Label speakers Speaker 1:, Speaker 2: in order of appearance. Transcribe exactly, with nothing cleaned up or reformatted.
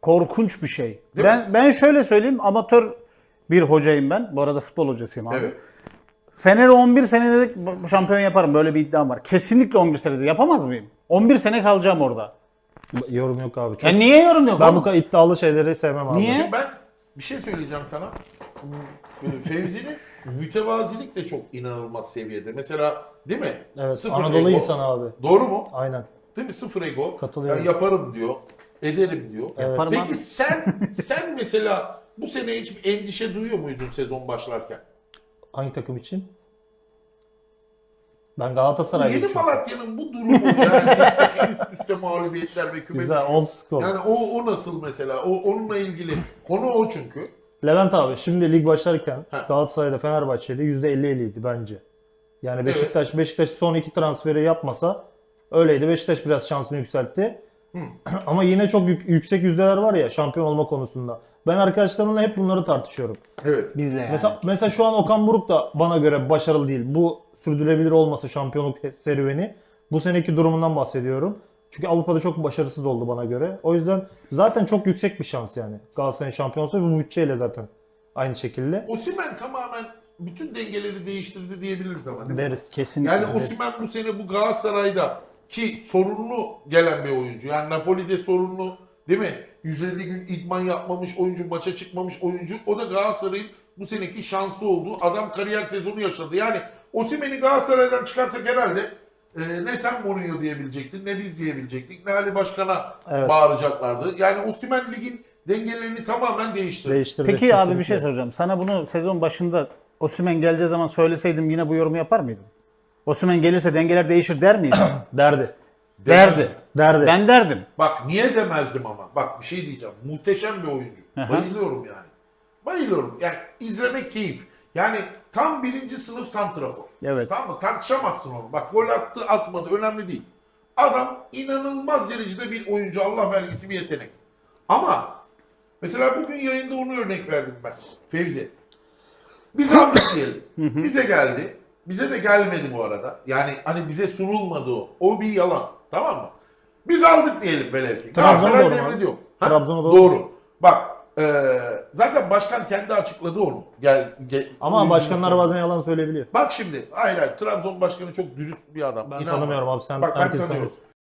Speaker 1: korkunç bir şey.
Speaker 2: Değil
Speaker 1: ben
Speaker 2: mi?
Speaker 1: ben şöyle söyleyeyim, amatör bir hocayım ben. Bu arada futbol hocasıyım abi.
Speaker 2: Evet.
Speaker 1: Fener'i on bir senede şampiyon yaparım, böyle bir iddiam var. Kesinlikle on bir senede yapamaz mıyım? on bir sene kalacağım orada.
Speaker 3: Yorum yok abi. Çok...
Speaker 1: Ya niye yorum yok?
Speaker 3: Ben
Speaker 1: oğlum?
Speaker 3: bu kadar iddialı şeyleri sevmem abi.
Speaker 1: Niye?
Speaker 2: Şimdi ben bir şey söyleyeceğim sana. Fevzi'nin mütevazilik de çok inanılmaz seviyede. Mesela değil mi?
Speaker 3: Evet,
Speaker 2: Sıfır
Speaker 3: Anadolu
Speaker 2: ego.
Speaker 3: insanı abi.
Speaker 2: Doğru mu?
Speaker 3: Aynen.
Speaker 2: Değil mi? Sıfır ego.
Speaker 3: Katılıyorum.
Speaker 2: Ben yaparım diyor. Ederim diyor.
Speaker 1: Yaparım
Speaker 2: Peki
Speaker 1: abi.
Speaker 2: sen sen mesela bu sene hiç bir endişe duyuyor muydun sezon başlarken?
Speaker 3: Hangi takım için? Ben Galatasaray'da
Speaker 2: Yeni
Speaker 3: için.
Speaker 2: Malatya'nın bu durumu yani ligdeki üst üste mağlubiyetler ve küme
Speaker 3: Güzel,
Speaker 2: düşüş.
Speaker 3: old school.
Speaker 2: Yani o, o nasıl mesela? O, onunla ilgili konu o çünkü.
Speaker 3: Levent abi şimdi lig başlarken
Speaker 2: Ha.
Speaker 3: Galatasaray'da Fenerbahçe'de yüzde elli elliydi bence. Yani Beşiktaş Beşiktaş son iki transferi yapmasa öyleydi. Beşiktaş biraz şansını yükseltti. Ama yine çok yük- yüksek yüzdeler var ya şampiyon olma konusunda. Ben arkadaşlarımla hep bunları tartışıyorum.
Speaker 2: Evet.
Speaker 1: Bizle yani.
Speaker 3: Mesela mesela şu an Okan Buruk da bana göre başarılı değil. Bu sürdürülebilir olmasa şampiyonluk serüveni. Bu seneki durumundan bahsediyorum. Çünkü Avrupa'da çok başarısız oldu bana göre. O yüzden zaten çok yüksek bir şans yani. Galatasaray'ın şampiyon olsa bu bütçeyle zaten aynı şekilde
Speaker 2: Osimhen tamamen bütün dengeleri değiştirdi diyebiliriz ama değil mi?
Speaker 3: deriz.
Speaker 1: Kesinlikle.
Speaker 2: Yani Osimhen bu sene bu Galatasaray'da ki sorunlu gelen bir oyuncu. Yani Napoli'de sorunlu değil mi? yüz elli gün idman yapmamış oyuncu, maça çıkmamış oyuncu. O da Galatasaray'ın bu seneki şansı oldu. Adam kariyer sezonu yaşadı. Yani Osimhen'i Galatasaray'dan çıkarsak herhalde e, ne sen Mourinho diyebilecektin, ne biz diyebilecektik, ne Ali Başkan'a
Speaker 3: Evet.
Speaker 2: bağıracaklardı. Yani Osimhen ligin dengelerini tamamen değiştirdi.
Speaker 3: Değiştirdi.
Speaker 1: Peki abi bir
Speaker 3: kesinlikle.
Speaker 1: şey soracağım. Sana bunu sezon başında Osimhen geleceği zaman söyleseydim yine bu yorumu yapar mıydın? Osimhen gelirse dengeler değişir der miydin?
Speaker 3: Derdi.
Speaker 1: Derdi.
Speaker 3: Derdi.
Speaker 1: Ben derdim.
Speaker 2: Bak niye demezdim ama. Bak bir şey diyeceğim. Muhteşem bir oyuncu.
Speaker 1: Aha.
Speaker 2: Bayılıyorum yani. Bayılıyorum. Yani izlemek keyif. Yani tam birinci sınıf santrafor.
Speaker 1: Evet.
Speaker 2: Tamam mı? Tartışamazsın onu. Bak gol attı atmadı önemli değil. Adam inanılmaz derecede bir oyuncu. Allah vergisi bir yetenek. Ama mesela bugün yayında onu örnek verdim ben. Fevzi. Biz aldık diyelim. Bize geldi. Bize de gelmedi bu arada. Yani hani bize sunulmadı o. O bir yalan. Tamam mı? Biz aldık diyelim velev ki.
Speaker 3: Trabzon'a
Speaker 2: Galatasaray
Speaker 3: doğru mu
Speaker 2: devri
Speaker 3: abi?
Speaker 2: yok. Ha?
Speaker 3: Trabzon'a doğru
Speaker 2: Doğru. Bak eee, zaten başkan kendi açıkladı onu. Gel, gel,
Speaker 3: Ama
Speaker 2: oyuncunun
Speaker 3: başkanlar
Speaker 2: sonu.
Speaker 3: bazen yalan söyleyebiliyor.
Speaker 2: Bak şimdi hayır hayır Trabzon başkanı çok dürüst bir adam.
Speaker 3: Ben
Speaker 2: İnan
Speaker 3: tanımıyorum
Speaker 2: bana.
Speaker 3: abi, sen
Speaker 2: Bak ben
Speaker 3: herkes
Speaker 2: tanıyorum.
Speaker 3: tanıyorsun.